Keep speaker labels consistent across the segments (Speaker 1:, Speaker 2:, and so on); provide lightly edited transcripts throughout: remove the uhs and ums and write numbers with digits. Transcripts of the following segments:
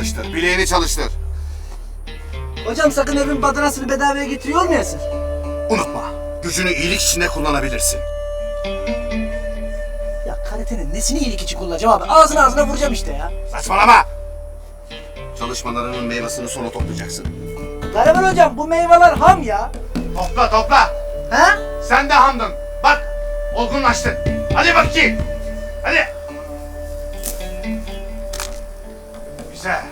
Speaker 1: çalıştır, bileğini çalıştır.
Speaker 2: Hocam sakın evin badanasını bedavaya getiriyor olmayasın.
Speaker 1: Unutma, gücünü iyilik içinde kullanabilirsin.
Speaker 2: Ya karatenin nesini iyilik için kullanacağım abi? Ağzına vuracağım işte ya.
Speaker 1: Saçmalama! Çalışmalarının meyvesini sonra toplayacaksın.
Speaker 2: Gariban hocam bu meyveler ham ya.
Speaker 1: Topla, topla!
Speaker 2: Ha?
Speaker 1: Sen de hamdın. Bak, olgunlaştın. Hadi bakayım. Hadi. Güzel.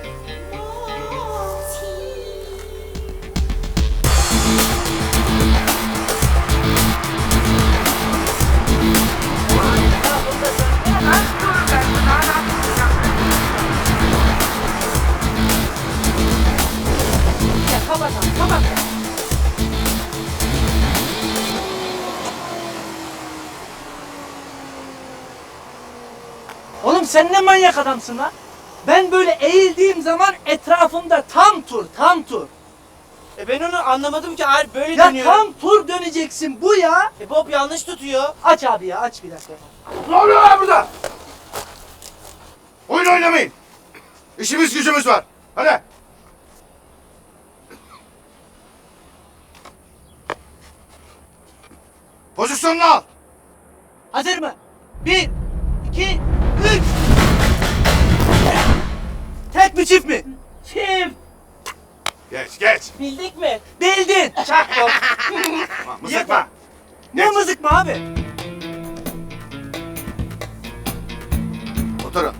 Speaker 2: Kapat. Oğlum sen ne manyak adamsın lan? Ben böyle eğildiğim zaman etrafımda tam tur.
Speaker 3: Ben onu anlamadım ki abi böyle
Speaker 2: Ya
Speaker 3: dönüyor.
Speaker 2: tam tur döneceksin bu ya.
Speaker 3: Bob yanlış tutuyor.
Speaker 2: Aç abi ya aç bir dakika.
Speaker 1: Ne oluyor lan burada? Oyun oynamayın. İşimiz gücümüz var. Hadi. Pozisyonunu al.
Speaker 2: Hazır mı? 1, 2, 3. Tek mi çift mi?
Speaker 3: Çift.
Speaker 1: Geç.
Speaker 3: Bildik mi?
Speaker 2: Bildin.
Speaker 3: Çak Bob.
Speaker 1: Tamam, mızıkma.
Speaker 2: Ne mızık mı abi?
Speaker 1: Oturun.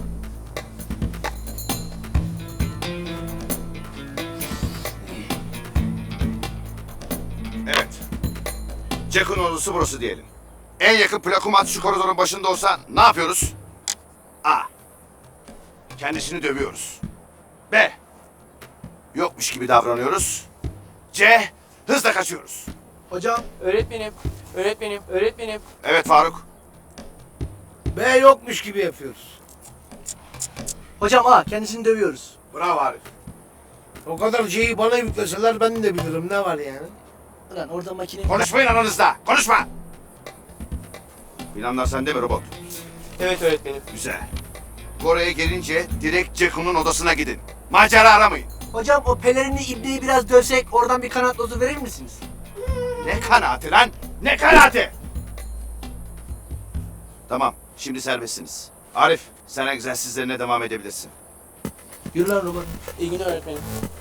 Speaker 1: Evet. Jack'ın odası burası diyelim. En yakın plakumat şu koridorun başında olsa ne yapıyoruz? A. Kendisini dövüyoruz. B. Yokmuş gibi davranıyoruz. C. Hızla kaçıyoruz.
Speaker 2: Hocam.
Speaker 3: Öğretmenim.
Speaker 1: Evet Faruk.
Speaker 4: B yokmuş gibi yapıyoruz.
Speaker 2: Hocam kendisini dövüyoruz.
Speaker 1: Bravo Arif.
Speaker 4: O kadar şeyi bana yükleseler ben de bilirim ne var yani.
Speaker 2: Ulan orada makine...
Speaker 1: Konuşmayın aranızda. Konuşma. Planlar sende mi robot?
Speaker 3: Evet öğretmenim.
Speaker 1: Güzel. Oraya gelince direkt Ceko'nun odasına gidin. Macera aramayın.
Speaker 2: Hocam o pelerinli ibneyi biraz dövsek oradan bir kanat lozu verir misiniz?
Speaker 1: Ne kanaati lan? Ne kanaati? Tamam, şimdi serbestsiniz. Arif, sen egzersizlerine devam edebilirsin.
Speaker 2: Yürü lan robot.
Speaker 3: İyi günler öğretmenim.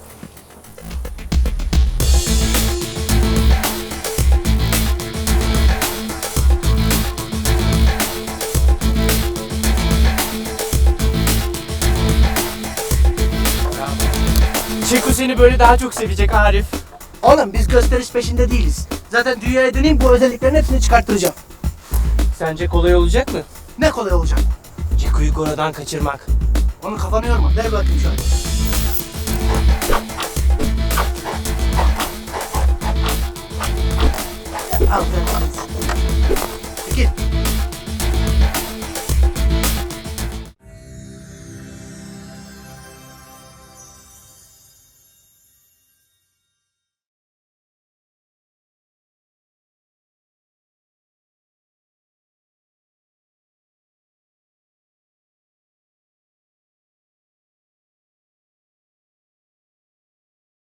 Speaker 3: Çeko seni böyle daha çok sevecek Arif.
Speaker 2: Oğlum biz gösteriş peşinde değiliz. Zaten dünyaya döneyim bu özelliklerin hepsini çıkarttıracağım.
Speaker 3: Sence kolay olacak mı?
Speaker 2: Ne kolay olacak.
Speaker 3: Ceko'yu Gora'dan kaçırmak.
Speaker 2: Onun kafanı yorma. Ver bakayım şu an.